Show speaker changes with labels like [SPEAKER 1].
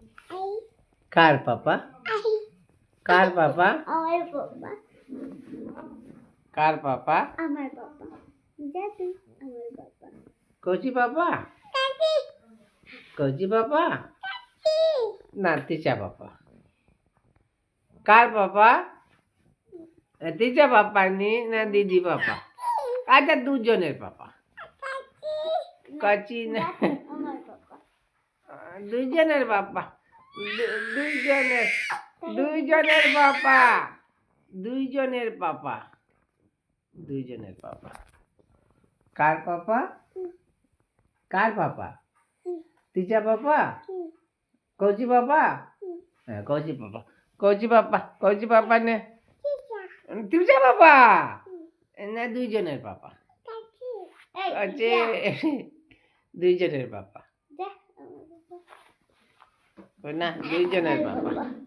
[SPEAKER 1] কার পাপা? কার পাপা?
[SPEAKER 2] আমার পাপা।
[SPEAKER 1] কার পাপা?
[SPEAKER 2] আমার পাপা। দাদু আমার পাপা।
[SPEAKER 1] কচি পাপা?
[SPEAKER 2] কাকি
[SPEAKER 1] কচি পাপা?
[SPEAKER 2] কি?
[SPEAKER 1] না তিচা পাপা। কার পাপা? তিচা পাপা নি না দিদি পাপা? আচ্ছা দুজনের পাপা। কচি না
[SPEAKER 2] আমার পাপা।
[SPEAKER 1] দুইজনের বাবা দুইজনের দুইজনের বাবা দুইজনের পাপা দুইজনের পাপা। কার পাপা? কার পাপা? তিচা পাপা? কৌচি পাপা? হ্যাঁ কৌচি পাপা। কৌচি পাপা কৌচি পাপা নে তিচা পাপা না দুইজনের পাপা। কচি দুইজনের পাপা না দুইজনের পাপা।